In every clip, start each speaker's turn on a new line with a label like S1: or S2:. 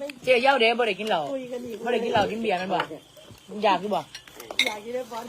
S1: เจี๊ยเย้าเด้บ่ได้กินเหล้า
S2: คุยกันอีก
S1: บ่ได้กินเหล้ากินเบียร์มันบ่มึงอยากหรือบ่
S2: อยากกินได้บอล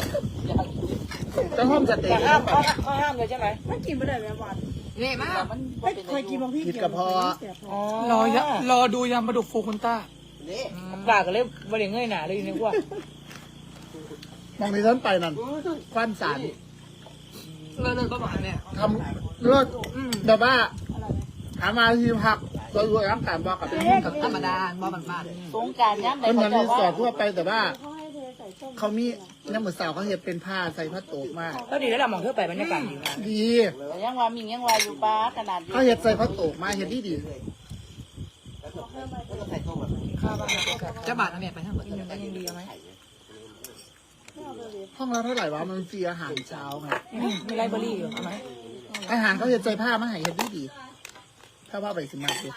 S3: จะห้อมสเต็
S1: แต่
S3: ก
S1: ห้ามเลยใช่ไหม
S2: มันกินไม่ได้แบบบอล
S4: เนี่ยมาก
S2: ไม่เคยกินบางพี่
S1: อ๋อ
S4: รอดูยำปลาดุกฟูคุณต้า
S1: ปากก็เลยบ่ได้เงยหน้าเลยอยู่ในพวก
S3: มองที่ฉันไปนั่นควันสาร
S4: เลิศประมาณเนี่ย
S3: ทำเลือดแต่ว่าหามาที่พักเราอยู่ร้านการบอกกับเป็นกับ
S4: ธรรมดาบ่บ้าน
S1: สงการย้ำ
S3: เป็นเหมือนรีสอร์ททั่วไปแต่ว่า
S2: เขาให้เทใส่ส้ม
S3: เขามีน้ำเหมือนสาวเขาเห็ดเป็นผ้าใส่ผ้าโตกมาก
S1: ก็ดีแล้วล่ะมองเธอไปบรรยากาศดีมาก
S3: ดี
S1: ยังว่ามียังว่าอยู่ป้าขนาด
S3: เขาเห็ดใส่ผ้าโตกมาเห็ดดีดี
S1: ข้าวบ้าน
S4: ๆจะบาดนะแม่ไปทั้งหมด
S1: กินกันยังดีไหม
S3: ห้องละเท่าไหร่วะมันฟรีอาหารเช้าไง
S1: มีไลบรารีอยู่เอาไหม
S3: อาหารเขาเห็ดใส่ผ้ามาให้เห็ดดีดีถ้าว่าไปสิมาดิ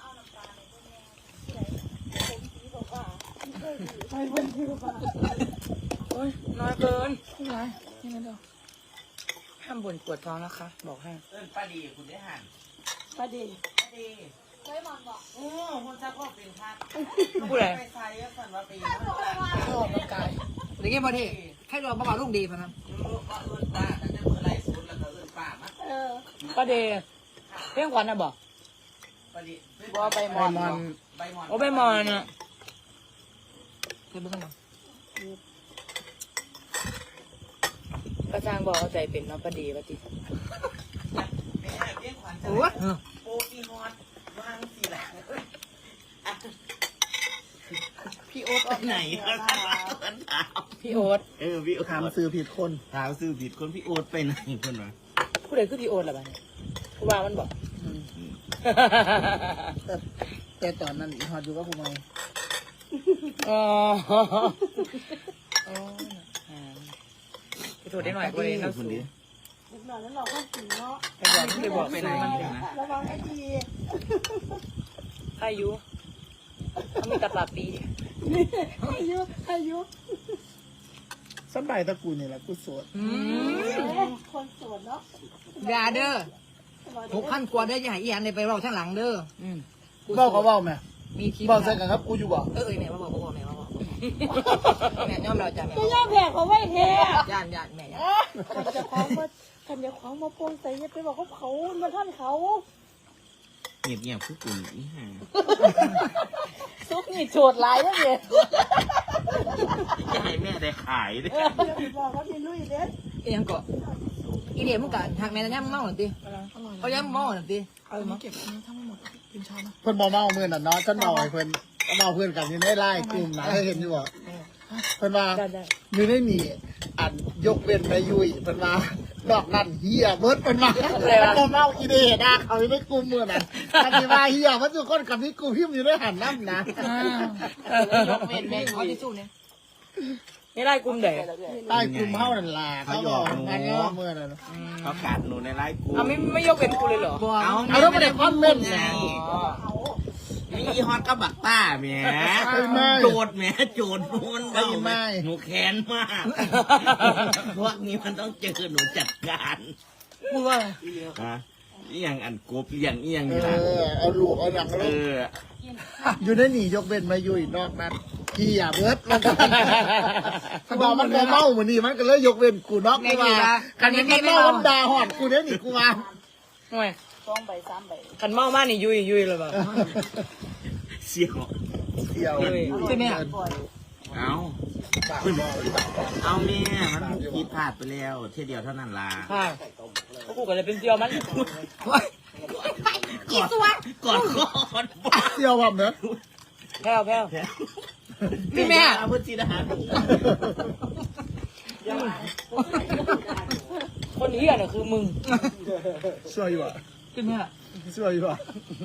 S1: โอ้ยน้อยเกินไม่ไรนี่นั่นเดียวห้ามบ่นปวดท้องนะคะ บอกให้
S5: ป้าดีคุณได้หัน
S2: มาดี
S5: ป้าดีเคยมองบอกโอ้คุณจะพ่อเป็นพัด
S1: พูดอะไร
S5: ไปใส่ก็สั่นว่าปีน
S1: ชอบร่างกาย
S4: เด็กเงี้ยพอดีให้รอบ้าลูกดีพะนะ
S5: ลูกก็เอื้นป้าแต่จะเมื่อไรสุดแล้วก็เอื้นป้ามั้ง
S1: ป้าเดย์เพียงขวัญนะบอก
S5: ป้าดี
S1: บอกไปม
S3: ไอ
S1: อน
S3: มอน
S5: ใบหมอน
S1: โอ้ไปมอนอ่ะ
S4: เคยเบิ่งกันมั้ง
S1: กระจางบอกเอาใจเป็นเนาะป้าเดย์ป้าติ
S5: แม่เรียกขวัญจะ
S4: โอ้ย
S5: โปอีฮอดวางสีแหละ
S1: พี่โอ๊ต
S5: ไปไหนก็ถาม
S1: พี่โอ๊ต
S5: พี่โอ๊ต
S3: ถามซื้อผิดคน
S5: ถามซื้อผิดคนพี่โอ๊ตไปไหนคนวะ
S1: ผู้ใดคือพี่โอ๊ตล่ะบ้านผู้ว่ามันบอก
S3: แต่ตอนนั้นอีฮอดอยู่กับผมไง
S1: อ๋อไปโทษได้หน่อยกูเลยน้ำสูง
S2: เด็กหน่อยแล้วเราก็กินเนาะ
S1: ไปบอกที่ไปบอก
S5: ไปไหนนะ
S2: ระวังให้ดี
S1: อายุเขามีตะปาปี
S2: อายุ
S3: สบายตะกูนี่แหละกูโสด
S2: คนสวนเนาะ
S4: ยาเด้อ6,000 กว่าเด้ออย่าให้อีอันเลยไปรอข้างหลังเด้อ
S3: บอกก็บอกแม่
S4: มีที
S3: บอกใส่กันครับกูอยู่บอก
S4: แม่บอกแม่บอกแม่ยอมเราจ้ะแม่
S2: ก็ย่าแผ่เขาไว้เท
S4: ย่านแม่ย่าน
S2: คันจะคล้องมาโปนใส่เนี่ยไปบอกว่าเขามาท่านเขา
S5: เงียบๆคือกุ่นนี่ฮะ
S1: ซุปนี่โฉดหลายแล้วเนี่ย
S5: จะให้แม่ได้ขายด้วย
S2: บอกว่ามีลุยเด็ด
S4: อีหยังก็อีเดียมึงกันทางแม่ย่ำเมาหน่อยดิเขาย่ำเมาหน่อยดิเก็บทั้งหมดเป็นชานะ
S3: เพิ่นบอกเมาเมื่อน่ะเนาะฉันเมาให้เพิ่นเมาเพื่อนกันอยู่ในไล่กลุ่มนะเคยเห็นอยู่บ่เพิ่นว่า
S1: ได้
S3: อยู่ในนี่อันยกเว้นไปยุยเพิ่นว่าดอกนั่นเฮียเบิดเพิ่นว่าบ่เมาอีเดนะเขาอยู่ในกลุ่มมื้อนั้นอันที่ว่าเฮียมันทุกคนกับที่กูพิมพ์อยู่ในหันน้ำนะ
S4: ยกเว้นแม่ขอที่สู้เนี่ย
S1: นี่ไล่กลุ่มเด็ก
S3: ใต้กลุ่มเฮานั่นล่ะเขาบอกงานว่ามื้อนั้น
S5: เขากัดหนูในไลฟ์กู
S1: เอาไม่ยกเป็นกูเลยเหรอ
S4: บัว
S3: เอาแล้วบ่ได้คอมเมนต์นะ
S5: มีอีฮอตก็บักต้าแหม
S3: ไม่
S5: โจดแหมโจดนูน
S3: ไม่ไม่
S5: หนูแค้นมาก พวกนี้มันต้องเจอหนูจัดการ
S4: มึงว่า
S5: ฮะอีหยังอันกบอีหยังอีหยัง
S3: เอ
S5: นี่ล่ะ
S3: อเอาลูกเอาหนัง
S5: เอ
S3: ลูก
S5: อ
S3: อยู่ในนี่ยกเว้นมาอยู่นอกนั้นเฮียเบิดมันก็ถ้าบอกมันบ่เมาเหมือนนี่มันก็เลยยกเว้นกูนอกกูว่ากันมันเมามันด่าหอดกูเด้อนี่กูว่า
S1: ทำไมขันเมามากนี่ยุยเลยแบบ
S5: เสี่ยว
S3: เที่ยว
S4: ใช่ไหม
S5: เอาเอาแม่มันผิดพลาดไปแล้วเที่ยวเดียวเท่านั้นล่ะ
S1: ค่ะกูก็เลยเป็นเซียวมัน
S4: กี่ตัว
S5: ก่อนก่อน
S3: เที่ยวผมเนอะ
S1: แพ้ว
S4: พี่แม่
S5: พุทธิดา
S1: คนเฮียเนี่ยคือมึง
S3: ช่วยอยู่อ่ะ
S4: พี่แม่
S3: ช่วยอยู่อ่ะ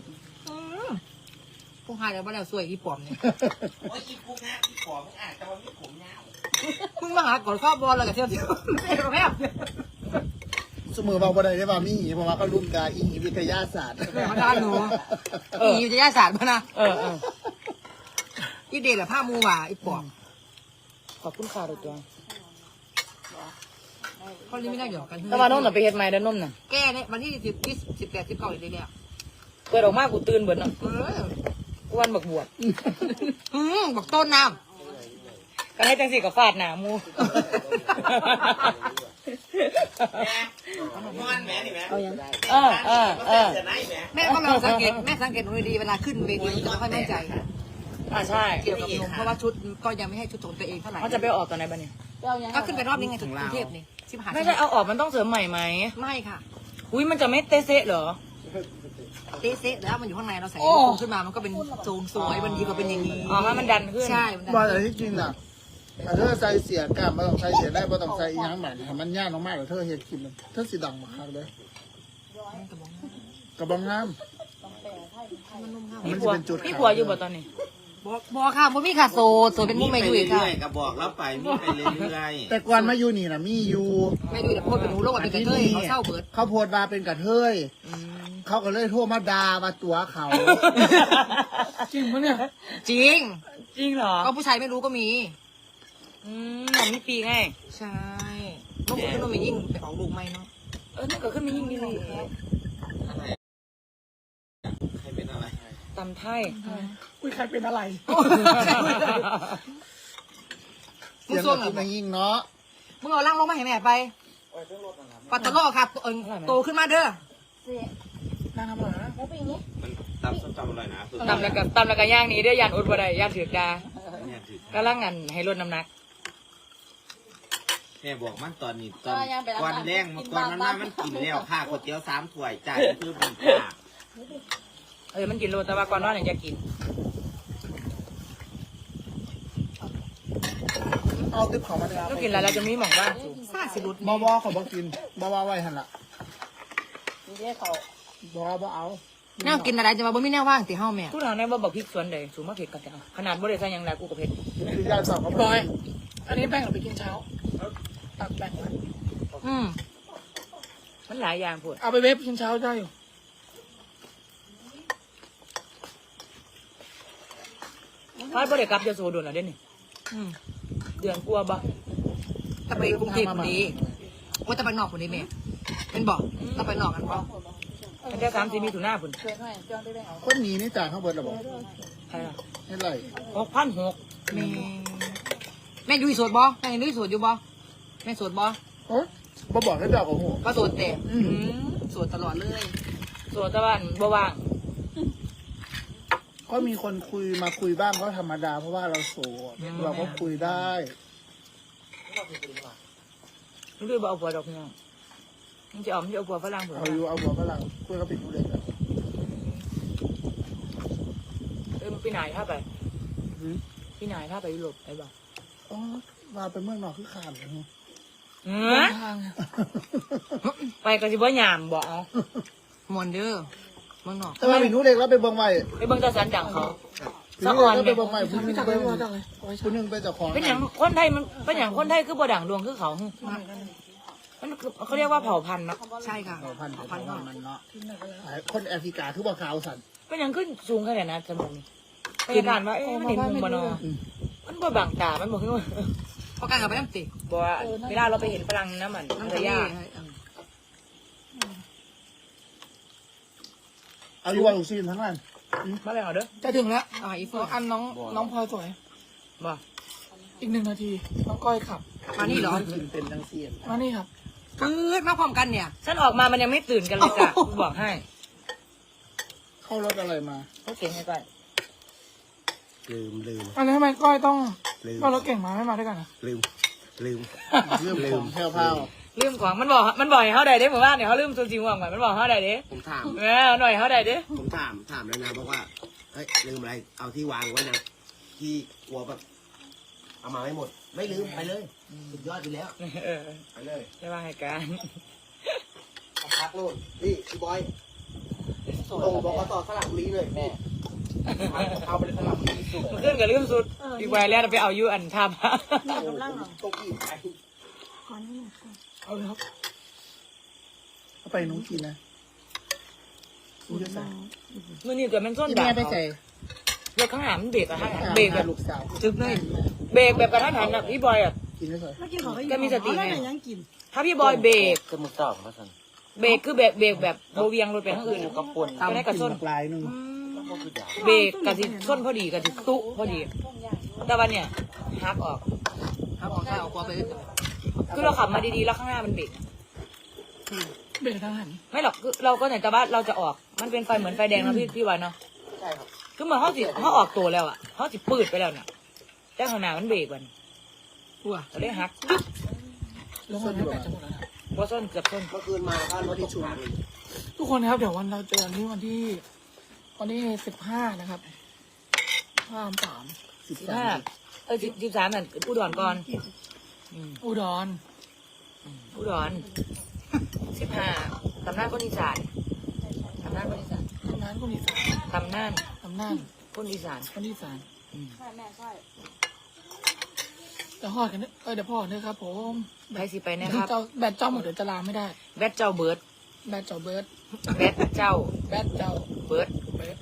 S4: พวกหายแล้วบ้านเราสวยอีปอมเนี่ย
S5: โอ้ยอีกูงะอีขอมึงอ่านแต่ว่ามีผมยาว
S4: มึงมาหาก่อนข้าวบอลแล้วก็เที่ยวแม่
S3: สมมติว่าบ่ได้ได้ว่ามีเพราะว่าเขารุ่มกาอีวิทยาศาสตร์
S4: มาด้านหนูอีวิทยาศาสตร์มานะ
S1: เออ
S4: อีเดชแบบผ้ามูว่าอีปอม
S1: ขอบคุณค่ะตัว
S4: เขาเล่นไม่ได้หยอกกัน
S1: แต่ว่าน้องน่ะไปเฮ็ดไม้แล้วน้มน่ะ
S4: แกเนี่ยวันที่18 19เลยเนี่ย
S1: เปิดออกมากูตื่นเบิดเนาะ
S4: กู
S1: วันบักบวช
S4: บอกต้นน้
S1: ก็ให้จังสิกับฟาดหนามู
S5: นอนแม่นี่แม่
S2: เอายัง
S1: เออ
S5: จะไหนแม่
S4: ำแม่ก็ลองสังเกตแม่สังเกตหนูดีเวลาขึ้นเวทีจะไม่ค่อยมั่นใจ
S1: ใช่
S4: เกี่ยวกับนมเพราะว่าชุดก็ยังไม่ให้ชุดของตัวเองเท่าไหร่
S1: เขาจะไปออกตอนไหนบ้างเนี่ย
S2: เอายัง
S4: ก็ขึ้นไปรอบนี้ไงถึงกรุงเทพนี่ชิบหาย
S1: ไม่ใช่เอาออกมันต้องเสริมใหม่ไหม
S4: ไม่ค่ะ
S1: อุ้ยมันจะไม่เตะเซะเหรอ
S4: เต๊ะแล้วมันอยู่ข้างในเราใส่ขึ้นมามันก็เป็นทรงสวยมันดีกว่าเป็นอย่างนี้
S1: อ๋อให้มันดันขึ้น
S4: ใช่มันดัน
S3: ว่าแต่ที่จริงน่ะเธอใส่เสียกล้ามไม่ต้องใส่เสียได้ไม่ต้องใส่อีหยังใหม่มันยากมากๆเลยเธอเฮ็ดกินมันเธอสีดังมากเลยกระบองงามมันจะเป็นจุด
S1: พี่ผัวอยู่บ่ตอนนี้
S4: บอกค่ะบ่มีค่ะโซเป็นมุ้งไม่อยู่อีกค่ะ
S5: ก็บอกแล้วไปมีไปเรื่อย
S3: แต่ก่อนมาอยู่นี่นะมีอยู่
S4: ไม่อยู่แต่โพดเป็นหนูโลกเป็นกระเทยเขาเศร้าเบิด
S3: เขาโพดมาเป็นกระเทยเขาก็เลยโทรมาด่ามาตัวเขา
S1: จริงปะเนี่ย
S4: จริง
S1: จริงเหรอ
S4: ก็ผู้ชายไม่รู้ก็มี
S1: หนังมีปีไง
S4: ใช่ลูกคุณต้องมียิ่งไปออกลูกไหมเนาะ
S1: นั่นก็ขึ้นมายิ่งดีเลย
S5: ๆอะไรใครเป็นอะไร
S1: ตำไทย
S2: อุ้ยใครเป็นอะไร
S3: เสียงแบบนี้ยิ่งเนาะ
S4: มึงเอาล่างลงมาให้แม่ไปปัตตะโลค่ะโตขึ้นมาเด้อ
S2: นั่งทำอะไรนะแล้วเป็นอย่างนี้
S5: มันตำส้มตำอร่อยนะ
S1: ตำแล้วก็ย่างนี้เด้อยานอุดบ่ได้ยานถือกดา
S5: เนี่ยถือ
S1: ก็ล่างงานให้ลดน้ำหนัก
S5: แม่บอกมันตอนนี้ตอนก่อนแรงมาก่อนมันมามันกินแล้วค่าก๋วยเตี๋ยว3 ถ้วยจ่ายคือเป็นค่า
S1: มันกินโลแต่ว่าก่อนนอนเนี่ยจะกิน
S3: เอาติ๊บของมาเลย
S1: ก็กินแล้วเราจะมีหม่องว่า
S4: ซาสิรุด
S3: บอบอเขาบอกกินบอบอไว้หันละ
S2: นี่ได้เขา
S3: บอบอเอา
S4: แนวกินอะไรจะมาบ่มีแนวว่างติเฮาแม่
S1: ทุกทางในบ่บอกพริกสวนใดสูงมากเผ็ดกันจะเอาขนาดบ่ได้ใส่หยังแล้วกูก็เผ็ด
S3: คือยายสอบเขา
S2: บอย อันนี้แบ่งเราไปกินเช้าตักแบ่งไว้
S1: มันหลายอย่างพูด
S2: เอาไปเวฟกินเช้าได้อยู่
S1: พาดบ่ได้กลับจะโซโดนแล้วเด้นี่เดือนกลัวบ่
S4: ถ้าไปกรุงเทพคนนี้ว่าจะไปนอกคนนี้แม่เป็นบอกถ้าไปนอกกันบอก
S1: มันจะ3-4มีถุนหน้าพุ่น
S2: เวฟให้จ้องได้แบ่งเอา
S3: คนหนีนี่จ่ายข้างบนระบบ
S1: ใช่ล่ะ
S3: ให้ไร
S1: 6,600
S4: แม่อยู่โสดบ่แม่ยังอยู่โสดอยู่บ่แม่โสดบ่
S3: โอ้บอบอกให้เดาของหัว
S4: ก็โสดแต่โสดตลอดเลย
S1: โซตะวันบ่ว่าง
S3: ก็มีคนคุยมาคุยบ้างก็ธรรมดาเพราะว่าเราโสดเราก็คุยได้
S1: นี่คือบ่เอาผัวดอกพี่น้องมันจะเอาผัวฝรั่งพุ่น
S3: เอาอยู่เอาหัวฝรั่งคุยกับปิดดูเลยกัน
S1: พี่นายถ้าไปพี่นายถ้าไปยุโรปไปบ่
S3: อ๋อมาเป็นเมืองนอกคือขาดเลย
S2: ทาง
S1: ไปก็สิบ่ยามบ่เอา
S4: มวนเด้อเมืองนอก
S3: แต่ว่าปิดดูเด็กแล้วไปเบิ่งไว้
S1: ไปเบิ่งตาสันดังเขา
S3: ปิดดูเด็กแล้วไปเบิ่งไว้ผู้หนึง
S2: จัก
S3: ไป
S2: เลยว่าจักเลยเอาไว้
S3: ผู้หนึงไปเจ้าของ
S1: เป็นอย่างคนไทยมันเป็นอย่างคนไทยคือบ่ดังดวงคือเขามันเขาเรียกว่าเผ่าพันธุ์เนาะ
S4: ใช่ค่ะ
S3: พันธุ์
S4: พันธุ์
S3: มันเนาะคนแอฟริกาคือบ่ขาวสัน
S1: เป็นอย่างขึ้นสูงขนาดนั้นสมองนี่พยาการว่ามันเห็นมุมบ่เนาะมันบ่บังตามันบ่คือ
S4: เพราะการกับไปน้ำติ
S1: บ่ว่าเวลาเราไปเห็นฝรั่งน้ำมัน
S4: น้ำ
S1: ภร
S4: ทะ
S1: ร
S4: เลย
S1: า
S3: เอาอยู่ว่าลูกซีนทั้งนั้น
S1: มาเลยเหรอเด้อ
S2: จะถึงแล้ว
S4: อีเฟิร์
S2: อันน้องพลอยสวย
S1: บ่
S2: อีก1 นาที น้องก้อยขับ
S4: มานี่เหรอ
S3: เป็นจังเสียน
S2: มานี่ครับ
S4: ปื๊ดมาพร้อมกันเนี่ย
S1: ฉันออกมามันยังไม่ตื่นกันเลยจ้ะบอกให้
S3: เข้ารถอะไรมา
S1: เขาเก่งให้ก่อน
S5: ลืม
S2: อันนี้ทำไมก้อยต้อง
S5: ลืม
S2: ก็รถเก่งมาไม่มาด้วยกันนะ
S5: ลืม
S3: เรื่องของแพ้วพาว
S1: ลืมของมันบอกให้เขาได้เด้เหมือนว่าเนี่ยเขาลืมตัวจริงว่างก่อนมันบอกเขาได้เด้
S5: ผมถาม
S1: หน่อยเขาได้เด้
S5: ผมถามแล้วนะบอกว่าเฮ้ยลืมอะไรเอาที่วางไว้นะที่กลัวแบบเอามาไม่หมด ไม่ลืมไปเลยสุดยอดอยู่แล้ว ไปเลย
S1: จะว่าให้การ
S5: พักโลดนี่พี่บอยตรงบอกต่อสลับลีเลยแม่เอาไปสลับลีสุด
S1: มันขึ้นกับลืมสุดอีกไวแล้วไปเอายูอันทำ
S5: ตกอีกไป
S2: เอาเลยครับ
S3: เอาไปน้องกินนะคุณจะใส่
S1: มื่อนี้เกิดมันส้น
S3: ที่
S1: ด่า
S3: แม่ไป
S1: เขา
S3: ใส่
S1: รถข้างหลังมันเบรกอะฮะเบรกแบบ
S3: ลูกสาว
S1: จึ๊บเลยเบรกแบบกระทันหันอะพี่บอยอะ
S3: กินได้ใส่
S1: แกมีสติไงถ้าพี่บอยเบรก
S5: ก็มือสอบมาสั่น
S1: เบรกคือแบบเบรกแบบโบเวียงรถไปข้างอื่นก็ปน
S3: ตาม
S1: ก็ได้กระส้น
S3: ลายนึง
S1: บเบรกกับสิส้นพอดีกับสิตุพอดี แต่วันเนี่ยฮักออก
S4: ถ้าออกข้าวกลัวไปเลย
S1: คือเราขับมาดีๆแล้วข้างหน้ามันเบรก
S2: เบรกทางหัน
S1: ไม่หรอกคือเราก็ไหนแต่ว่าเราจะออกมันเป็นไฟเหมือนไฟแดงนะพี่วันเนาะ
S3: ใช่ครับ
S1: คือเหมือนเขาออกตัวแล้วอ่ะเขาสิปืดไปแล้วเนี่ยแต่ข้างหน้ามันเบรกมัน
S2: ว้า
S1: เราเลยฮัก
S2: แล้วมันไม่แปดจะหมดแล้วนะ
S1: เพราะส้นเกือบส้น
S5: เมื่อคืนมาก็รถที่ชุม
S2: ทุกคนนะครับเดี๋ยววันเราเจอกันที่วันที่15นะครับ3
S1: 13นั่นอุดรก่อน
S2: อุดร
S1: อุดร15ตำนานคนอีสานตำนานคนอีสาน
S2: ตำนานคนอีสาน
S1: ตำนาน
S2: ตำนาน
S1: คนอีสาน
S2: คนอีสานเดี๋ยวพ่อกันเนอะเดี๋ยวพ่อเนอะครับผม
S1: ใครสิไปนะครับ
S2: แบตเจ้าหมดเดี๋ยวจะลาไม่ได้
S1: แบทเจ้าเบิร์ด
S2: แบตเจ้าเบิร์ด
S1: แบทเจ้า
S2: แบตเจ้า
S1: เบิร์ด
S2: เบิร์ด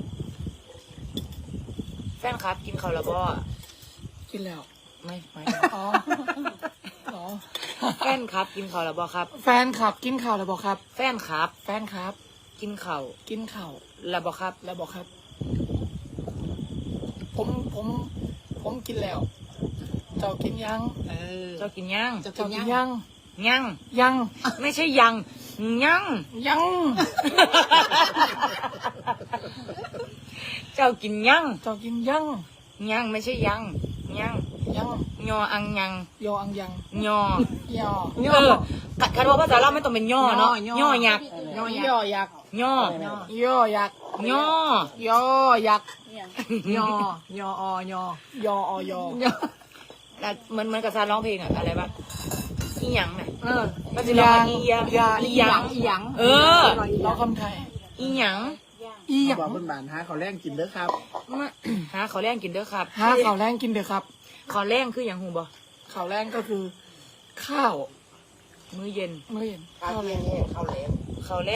S1: แฟนครับกินข้าวแล้วบ่
S2: กินแล้ว
S1: ไม่
S2: อ๋ออ๋อ
S1: แฟนครับกินข้าวแล้วบ่ครับ
S2: แฟนขับกินข่าวแล้วบอกครับ
S1: แฟนครับ
S2: แฟนครับ
S1: กินข้าว
S2: กินข่าว
S1: แล้วบ่ครับ
S2: แล้วบอกครับ ผมกินแล้ว เจ้ากินยัง
S1: เจ้ากินยัง
S2: เจ้ากินยัง
S1: ยัง
S2: ยัง
S1: ไม่ใช่ยังยัง
S2: ยัง
S1: เจ้ากินยัง
S2: เจ้ากินยัง
S1: ยังไม่ใช่ยังยัง
S2: ยัง
S1: ยออังยัง
S2: ยออังยัง
S1: ยอย
S2: อ
S1: เออคันว่าภาษาเราไม่ต้องเป็นย่อเนาะย่อยักษ์
S2: ยอยักษ์
S1: ย่อย
S2: อยักษ์
S1: ย่อย
S2: อยักษ์
S4: ยอยออยอย
S2: ออยอ
S1: แล้วเหมือนกับซาร้องเพลงอะอะไรวะอีหยังน่ะ ก็จะ
S2: ยั
S1: ร้อง
S2: ง
S1: อีหยังอีหยัง
S4: อีหยัง
S1: เออ
S2: เราคำไทย
S1: อีหยัง
S2: อีหยัง
S3: บอกเพื่อนบ้านหาเขาวแรงกินเด้อครับ
S1: มาหาขาวแรงกินเด้อครับ
S2: หาข่าวแรงกินเด้อครับ
S1: ขาวแรงคืออย่างหูบ่
S2: ข่าวแรงก็คือ ข้าว
S1: มื้อเย็น
S2: เมื่อเย็น
S3: ข้าวแรงข้าวแรง
S1: ขาวแรง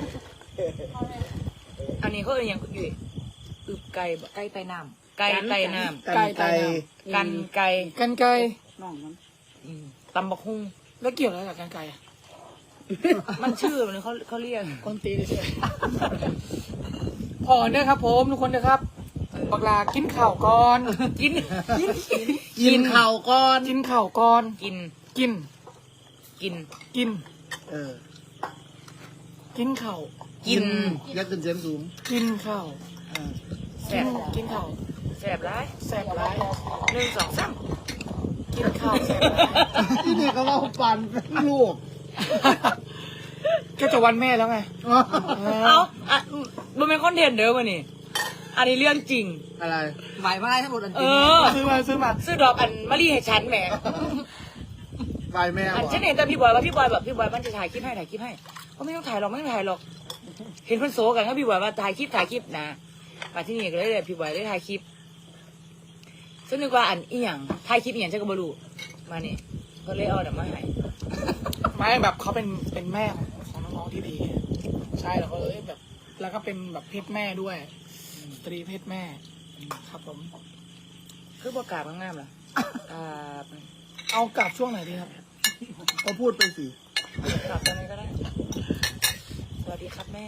S1: อันนี้เขาเรียกอย่างอยู่อึบไก่บ่
S4: ไก่ไต่น้
S1: ไก่ไก่น้
S3: กันไก่
S1: ำกันไก่
S2: กันไกร
S1: ตำบักฮุ่ง
S2: แล้วเกี่ยวอะไรกับกันไกร
S1: มันชื่อมันเขาเรียก
S2: คนตีเลยใช่ไหมพอเนี่ยครับผมทุกคนนะครับบักลากินข่าวก่อน
S1: กิน
S3: กินข้าวก่อน
S2: กินข่าวก่อน
S1: กิน
S2: กิน
S1: กิน
S2: กิน
S3: เออ
S2: กินข่าว
S1: กิน
S3: ยักษ์ขึ้นเสียงสูง
S2: กินข่าว
S1: แส
S2: กิน
S1: บ
S2: กินข่าว
S1: แสบร้าย
S2: แสบร้าย
S1: 1 2 3
S2: กินข่าวแสบร้าย
S3: ที่นี่เขาว่าปันลูก
S2: ก็จะวันแม่แล้วไง
S1: เอาอ่ะมันเป็นคอนเทนต์เด้อวะนี่อันนี้เรื่องจริง
S3: อะไร
S4: ำไหวมาได้ทั้งหมดอัน
S1: เอ
S4: จริง
S1: อ
S2: ซื้อมา
S1: ซื้อดอกอันมะลิให้ฉันแหม
S3: ไปแม่
S1: อัน
S3: วะ
S1: ฉันเห็นแต่พี่บอยว่าพี่บอยแบบพี่บอยมันจะถ่ายคลิปให้ก็ไม่ต้องถ่ายหรอกไม่ต้องถ่ายหรอก เห็นคนโซกันครับพี่บอยว่าถ่ายคลิปนะมาที่นี่ก็เลยพี่บอยได้ถ่ายคลิปฉันนึกว่าอันอีหยังถ่ายคลิปอีหยังฉันก็บรูมานี่ก็เลยเอาดอกมาให้
S2: ไม่แบบเขาเป็นแม่ของน้องๆที่ดี ใช่แล้วก็แบบ แล้วก็เป็นแบบเพศแม่ด้วย สตรีเพศแม่ ครับผม
S1: คือประกาศงามๆเหรออ่า
S2: เอากลับช่วงไหนดีครับ
S3: เขาพูดไปสิ
S1: กลับตอนนี้ก็ได้สวัสดีครับแม่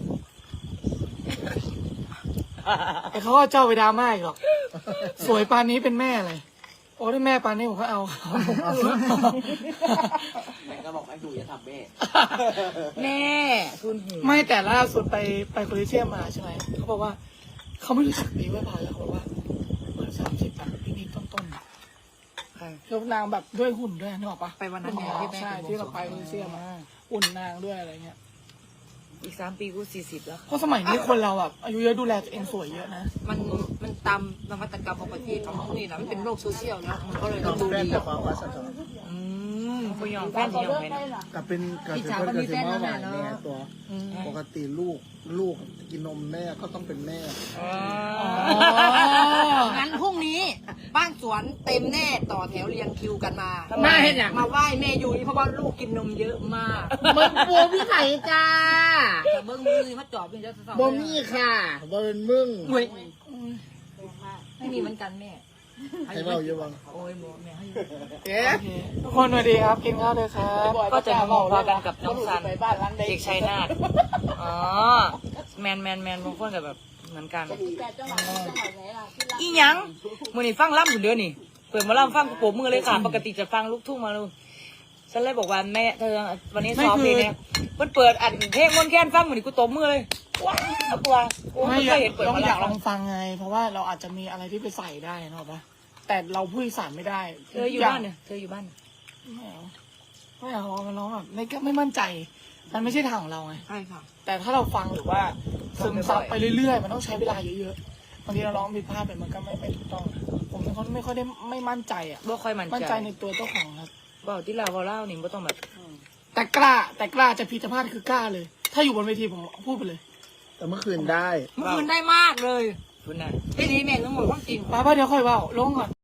S2: แต่เขาก็เจ้าไปดราม่าอีกหรอก สวยปานนี้เป็นแม่อะไรโอ้ได้แม่ปานนี้ผมก็เอาครับ
S5: แม่ก็บอกให้ดูอย่าทำแม่
S1: แม่ทุนหู
S2: ไม่แต่ล่าสุดไปโคลิเซียมมาใช่ไหมเขาบอกว่าเขาไม่รู้จักดีว่าพายแล้วเขาบอกว่าเหมือน30แบบนิดๆต้นๆ
S1: ค่ะ
S2: แล้วนางแบบด้วยหุ่นด้วยนึกออกปะ
S4: ไปวันนั้นไงที่แม่
S2: ใช่
S4: เป็น
S2: ที่เราไปโคลิเซียมมาหุ่นนางด้วยอะไรเงี้ย
S1: อีก3 ปีกู40แล้ว
S2: เพราะสมัยนี้คนเราแบบอายุเยอะดูแลตัวเองสวยเยอะนะ
S4: มันตามนวัตกรรมของประเทศของนี่นะมันเป็นโลกโซเชียลแล้วมันก็เลยต้องดู
S3: แฟน
S4: ดี
S3: จะบอกว่าสะท้อน
S1: พยองแฟนที่ยองให้นะ
S3: กับเป็นกับเป็นคนกับสิมาหวานแม่ตัวปกติลูกกินนมแม่ก็ต้องเป็นแม่
S4: งั้นพรุ่งนี้บ้านสวนเต็มแน่ต่อแถวเรียงคิวกันมา
S1: ทำไม
S4: มาไหว้แม่ยุ้ยเพราะว่าลูกกินนมเยอะมาก
S3: มันบัวพี่ไข่จ้า
S4: แต่เบิ้งมือมาจอบเป็นเจ้าสาว
S3: บ่มีค่ะบ่เป็นมึง
S4: เว้ยไม่มีเหมือนกันแม่
S3: ให้เบาอยู่บ้าง
S4: โอ้ยบอกแม่ให้
S3: เอ๊ะ
S2: โอเคทุกคนสวัสดีครับกินข้าวเลยครับ
S1: ก็จะมาพอกันกับน้องซันเด็กชัยนาทอ๋อแมนบางคนกับแบบเหมือนกัน
S6: แต่จังหวะไหนล่ะที่รัก
S1: อีหยังมือนี่ฟังล่ำอยู่เดือนนี่เปิดมาล่ำฟังกระโปรงมือเลยค่ะปกติจะฟังลูกทุ่งมาลูกฉันเลยบอกว่าแม่เธอวันนี้ซ้อมเพลงเนี่ยมันเปิดอัดเพลงมนต์แค้นฟังมือนี่กูตบมือเลยว้าวเอาตัวกู
S2: ไม่
S1: ไม่เคยเห็นเปิด
S2: เรา
S1: มา
S2: อยากล
S1: ล่ำ
S2: องฟังไง เพราะว่าเราอาจจะมีอะไรที่ไปใส่ได้นะปะแต่เราพูดอีสานไม่ได้
S1: เธออยู่บ้านเนี่ยเธออยู่บ้าน
S2: ไม่เอามันร้องแบบไม่มั่นใจ มันไม่ใช่ทางของเราไง
S4: ใช่ค่ะ
S2: แต่ถ้าเราฟังหรือว่าซึมซับไปเรื่อยๆ มันต้องใช้เวลาเยอะๆบางทีเราร้องผิดพลาดไปมันก็ไม่ถูกต้อง ผมเป็นคนไม่ค่อยได้ไม่มั่นใจอ่ะ
S1: บ่ค่อยมั่น
S2: มั่น
S1: ใจ
S2: ใจในตัวเจ้าของครับ
S1: บอกที่เราเล่านี่บ่ต้องแบบ
S2: แต่กล้าจะผิดจะพลาดคือกล้าเลย ถ้าอยู่บนเวทีผมพูดไปเลย
S3: แต่เมื่อคืนได้
S4: เมื่อคืนได้มากเลย
S1: คุณน่ะ
S4: พี่ดีแม่งทั้งหมดความจริง
S2: ป้าเดี๋ยวค่อยเว่าลงก่อน